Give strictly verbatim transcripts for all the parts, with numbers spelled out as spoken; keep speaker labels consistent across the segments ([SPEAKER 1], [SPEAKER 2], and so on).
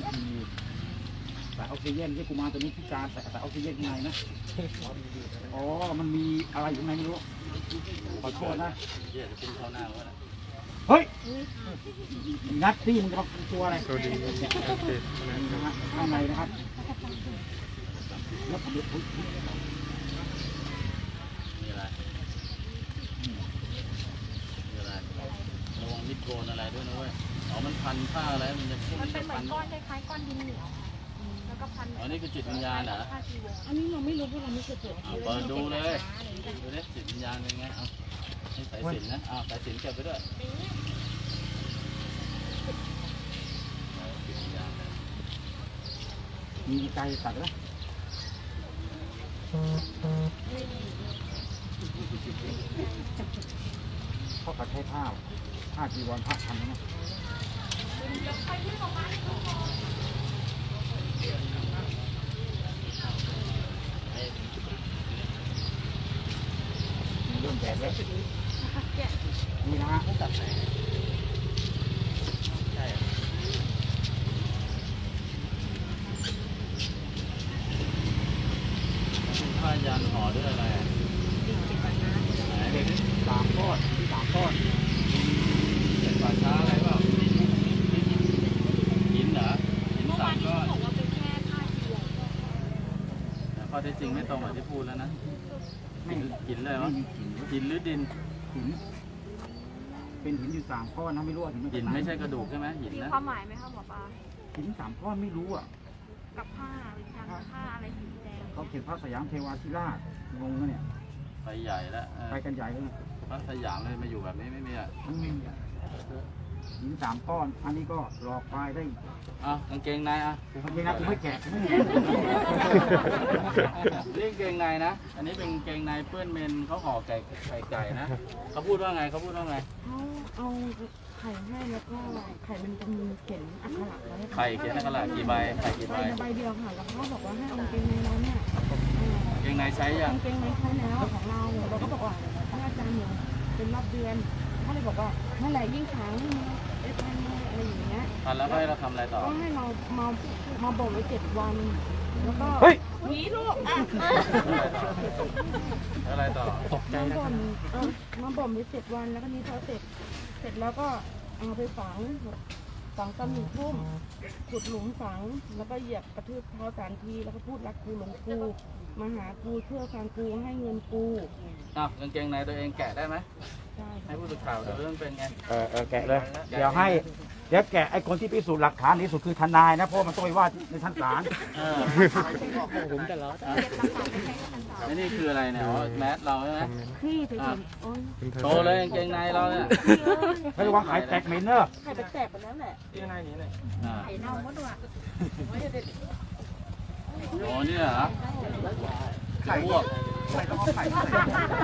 [SPEAKER 1] สายออกซิเจนที่กูมาตัวนี้พิการแต่สายออกซิเจนข้างในนะอ๋อมันมีอะไรอยู่ข้างในไม่รู้ขอโทษนะเฮ้ยงัดที่มึงจะมาตัวอะไรตัวดีข้างในนะครับแล้วผมเดือดมี
[SPEAKER 2] อะไรมีอะไรระวังมิดโกนอะไรด้วยนะเว้ยอ๋อมันพันผ้าอะไรมันจะมันเป็นเหมือนก้อนคล้ายๆก้อนดินเหนียวแล้วก็พันอ๋อนี่คือจิตวิญญาณเหรอ
[SPEAKER 3] อันนี้เราไม่รู้เพราะเราไม่เคยเปิด
[SPEAKER 2] เปิดดูเลยดูดิจิตวิญญาณเป็นไงเอาให้สายสิญจน์นะอ้าวสายสิญจน์เก็บไปด้วย
[SPEAKER 1] มีใจตัดแล้วเขาก็ใช้ผ้าผ้าจีวรผ้าพันนะเริ่มแตกแล้วนี่นะฮะตัดไหน
[SPEAKER 2] ใช่ผ้ายันห่อด้วยอะไร
[SPEAKER 1] เด็กสามก้อนที่สามก้อน
[SPEAKER 2] เป็นป่าช้าอะไรเปล่าหินเหรอหินสามก้อน
[SPEAKER 3] บอกว่าเป็นแค่ผ้าจีวร
[SPEAKER 2] แต่ข้อเท็จจริงไม่ตรงกับที่พูดแล้วนะไม่หินเลยวะหินหรือดิน
[SPEAKER 1] หินเป็นหินอยู่สามก้อนนะไม่รู้ว่าหิน
[SPEAKER 2] หินไม่ใช่กระดูกใช่ไหมหินนะ
[SPEAKER 3] มีความหมายไหมคะหมอปลา
[SPEAKER 1] หินสามก้อนไม่รู้อ่ะ
[SPEAKER 3] กับผ้าทางผ้าอะไรสีแดง
[SPEAKER 1] เขาเขียนพระสยามเทวาธิราชงงนะเนี่ย
[SPEAKER 2] ไปใหญ่แล้ว
[SPEAKER 1] ไปกันใหญ่เลย
[SPEAKER 2] พระสยามเลยมาอยู่แบบนี้ไม่มีอ่ะ
[SPEAKER 1] หินสามก้อนอันนี้ก็หลอกไปได้
[SPEAKER 2] อ่ะกางเกงในอ่ะ
[SPEAKER 1] กางเกงในกูไม่แกะไม่
[SPEAKER 2] นี่กางเกงในนะอันนี้เป็นกางเกงในเปื้อนเมนเขาห่อไก่ไข่ไก่นะเขาพูดว่าไงเขาพูดว่าไง
[SPEAKER 3] เขาเอาไข่ให้แล้วก็ไข่มันจะมีเขียนอักขระไว้
[SPEAKER 2] ไข่เขียนอักขระกี่ใบไข่กี่ใบ
[SPEAKER 3] ใบเดียวค่ะแล้วเขาบอกว่าให้เอากางเกงในเราเนี่ย
[SPEAKER 2] กางเกงในใช้ยัง
[SPEAKER 3] กางเกงในใช้แล้วของเราเราก็บอกว่าท่านอาจารย์เนี่ยเป็นรอบเดือนเขาเลยบอกว่าเมื่อไหร่ยิ่งขังเอฟไออะไรอย่างเงี้ย
[SPEAKER 2] ทันแล้วให้เราทำอะไรต่อ
[SPEAKER 3] ก็ให้เรามามาบ่มไว้เจ็ดวันแล้วก็
[SPEAKER 1] เฮ้ย
[SPEAKER 3] หนีลูกอ่ะ
[SPEAKER 2] อะไรต่อตกใจ
[SPEAKER 3] มาบ่มเออมาบ่มไว้เจ็ดวันแล้วก็นี้พอเสร็จเสร็จแล้วก็เอาไปฝังฝังตำหนิทุ่มขุดหลุมฝังแล้วก็เหยียบกระทืบเท้าสามทีแล้วก็พูดรักกูหลงกูมาหากูเชื่อฟังกูให้เงินกู
[SPEAKER 2] อ้าวกางเกงในตัวเองแกะได้ไหมให้ผู้สื่อข่าวดูเรื่องเป็นไง
[SPEAKER 1] เออเออแกะเลยเดี๋ยวให้เดี๋ยวแกะไอ้คนที่พิสูจน์หลักฐานที่สุดคือทนายนะเพราะมันต้องไปว่าในชั้นศาล
[SPEAKER 2] ผมจะล้อนี่นี่คืออะไรเนี่ยแมสเราใช่ไหม
[SPEAKER 3] พี่ถึง
[SPEAKER 2] โตเลยกางเกงในเราเนี่ย
[SPEAKER 1] ไม่ระวังไข่แตกเหม็นเนอะ
[SPEAKER 3] ไข่แตกไปแล้วแหละ
[SPEAKER 2] ที่ในนี้เลย
[SPEAKER 3] ไข่เน่าหมดว่ะ
[SPEAKER 2] โอ้เนี่ยเหรอไข่พวก
[SPEAKER 1] ไข่ต้องเอาไข่ใส่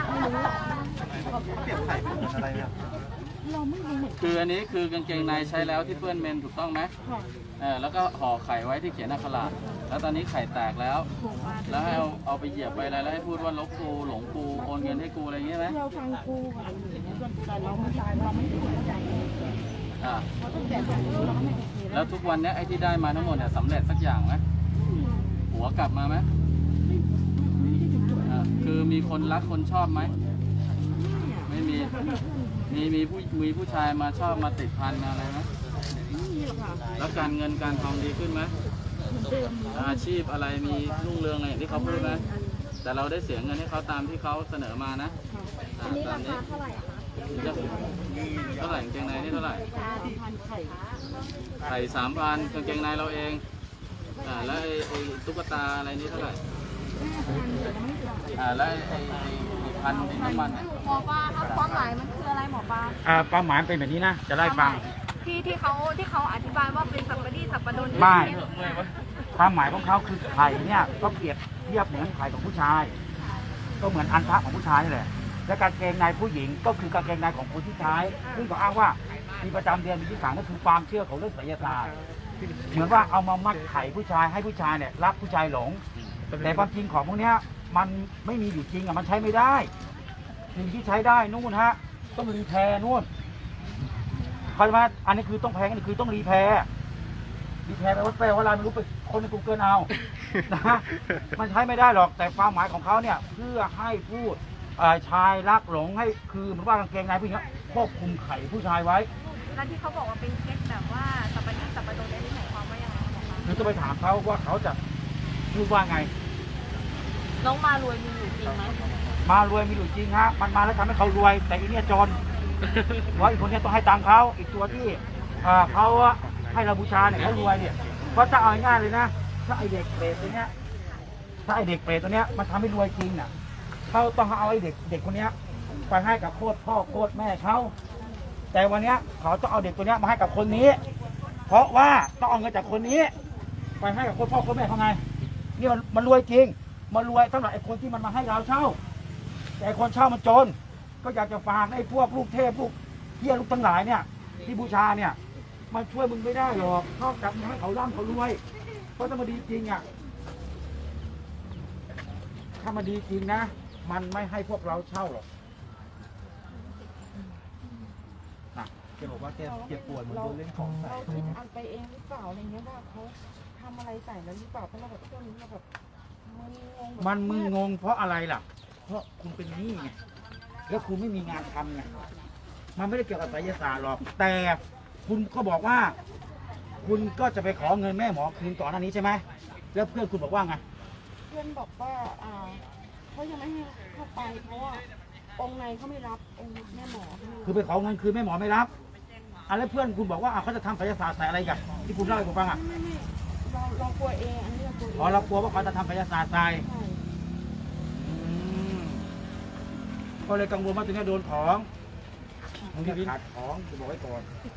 [SPEAKER 1] เปลี่ยนไข่เป็นอะไรเนี่ย
[SPEAKER 3] เราไม่รู้
[SPEAKER 2] คืออันนี้คือกางเกงในใช้แล้วที่เปื้อนเมนถูกต้องไหมเออแล้วก็ห่อไข่ไว้ที่เขียนอักขระแล้วตอนนี้ไข่แตกแล้วแล้วให้เอาเอาไปเหยียบไปอะไรแล้วให้พูดว่าลบกูหลงกูโอนเงินให้กูอะไรอย่างเงี้ยไหม
[SPEAKER 3] เราฟังกูแต่เราไม่ตายเราไม่ถูกใจ
[SPEAKER 2] อ่าแล้วทุกวันนี้ไอ้ที่ได้มาทั้งหมดเนี่ยสำเร็จสักอย่างไหมหัวกลับมาไหมคือมีคนรักคนชอบไหมไม่มีมีมีผู้มีผู้ชายมาชอบมาติดพันอะไรไหมแล้วการเงินการทองดีขึ้นไหมอาชีพอะไรมีรุ่งเรืองอะไรที่เขาพูดไหมแต่เราได้เสียเงินให้เขาตามที่เขาเสนอมานะ
[SPEAKER 3] อันนี้ราคาเท่าไหร่อะคะ
[SPEAKER 2] เท่าไหร่กางเกงในนี่เท่าไหร่ไข่สามพันกางเกงในเราเองอ่าแล้วไอ้ตุ๊กตาอะไรนี่เท่าไหร่อ่าแล้วไอ้พันดินน้ำมัน
[SPEAKER 3] หมอปลาครับความหมายมันคืออะไรหมอปลา
[SPEAKER 1] อ่าความหมายเป็นแบบนี้นะจะไล่ฟัง
[SPEAKER 3] ที่ที่เขาที่เขาอธิบายว่าเป็นสัปปะรดสัปปะรด
[SPEAKER 1] ไม่ความหมายของเขาคือไข่เนี่ยก็เปรียบเทียบเหมือนไข่ของผู้ชายก็เหมือนอันทะของผู้ชายนี่แหละและกางเกงในผู้หญิงก็คือกางเกงในของคนที่ใช้ซึ่งเขาอ้างว่ามีประจำเดือนมีที่สามก็คือความเชื่อของเรื่องไสยศาสตร์เหมือนว่าเอามามัดไข่ผู้ชายให้ผู้ชายเนี่ยรักผู้ชายหลงแต่ความจริงของพวกนี้มันไม่มีอยู่จริงอ่ะมันใช้ไม่ได้สิ่งที่ใช้ได้นู่นฮะต้องรีแพร์นู่นเข้าใจไหมอันนี้คือต้องแพงอันนี้คือต้องรีแพร์ดีแทนไปวัดแปลว่าอะไรไม่รู้ไปคนในกูเกิลเอา นะมันใช้ไม่ได้หรอกแต่ความหมายของเขาเนี่ยเพื่อให้พูดเอ่อชายรักหลงให้คือเหมือนว่ากางเกงในผู้หญิงอะควบคุมไข่ผู้ชายไว้
[SPEAKER 4] แล้วที่เขาบอกว่าเป็นเคสแบบว่าสัปปะรดสัปปะรดได้ที่ไหนความว่ายังไงคะหมอคะ
[SPEAKER 1] หรือจะไปถามเขาว่าเขาจะพูดว่าไง
[SPEAKER 4] น้องมารวยมีอยู่จริงไหม
[SPEAKER 1] มารวยมีอยู่จริงฮะมันมาแล้วทำให้เขารวย แต่อีเนี่ยจนเพราะอีกคนเนี้ต้องให้ตังค์เขาอีกตัวที่อ่าเขาให้เราบูชาเนี่ยเขารวยเนี่ยเพราะจะเอาง่ายๆเลยนะถ้าไอเด็กเปรตตัวเนี้ยถ้าไอเด็กเปรตตัวเนี้ยมันทำให้รวยจริงน่ะเขาต้องเอาไอเด็กเด็กคนเนี้ยไปให้กับโคตรพ่อโคตรแม่เขาแต่วันเนี้ยเขาต้องเอาเด็กตัวเนี้ยมาให้กับคนนี้ เพราะว่าต้องเอาเงินจากคนนี้ ไปให้กับโคตรพ่อโคตรแม่เขาไงนี่มันมันรวยจริงมันรวยสำหรับไอ้คนที่มันมาให้เราเช่า แต่ไอ้คนเช่ามันจน ก็อยากจะฝากไอ้พวกลูกเทพลูกเฮียลูกทั้งหลายเนี่ยที่บูชาเนี่ยมันช่วยมึงไม่ได้หรอกนอกจากมึงให้เขาร่ำเขารวย เพราะถ้ามันดีจริงอ่ะถ้ามันดีจริงนะ มันไม่ให้พวกเราเช่าหรอกนะ
[SPEAKER 5] แกบอกว่าแกเจ็บปวดเหมือนโดนเล่นของใส่
[SPEAKER 3] เราคิดอันไปเองหรือเปล่าอะไรเงี้ยว่าเขาทำอะไรใส่แล้วหรือเปล่าเพราะเราแบบช่วงนี้เราแบบมึนงงแบบ
[SPEAKER 1] มันมึงงงเพราะอะไรล่ะ เพราะคุณเป็นหนี้ไงแล้วคุณไม่มีงานทำไงมันไม่ได้เกี่ยวกับไสยศาสตร์หรอก แต่คุณก็บอกว่า คุณก็จะไปขอเงินแม่หมอคืนก่อนหน้านี้ใช่ไหมแล้วเพื่อนคุณบอกว่าไง
[SPEAKER 3] เพื่อนบอกว่าอ่าเขายังไม่ให้เข้าไปเพราะว่าองค์ในเขาไม่รับองค์แม่หมอเขาไม่รับ
[SPEAKER 1] คือไปขอเงินคืนแม่หมอไม่รับอ่ะแล้วเพื่อนคุณบอกว่าอ่ะเขาจะทำไสยศาสตร์ใส่อะไรกันที่คุณเล่าให้ผมฟังอ่ะ
[SPEAKER 3] ไม่ไม่เราเรากลัวเองอันนี้เรากลัวเอง
[SPEAKER 1] อ๋อเรากลัวว่าเขาจะทำไสยศาสตร์ใส่
[SPEAKER 3] ใช่
[SPEAKER 1] อืมก็เลยกังวลว่าตัวเนี้ยโดนของมึงจะขาดของกูบอกไว้ก่อน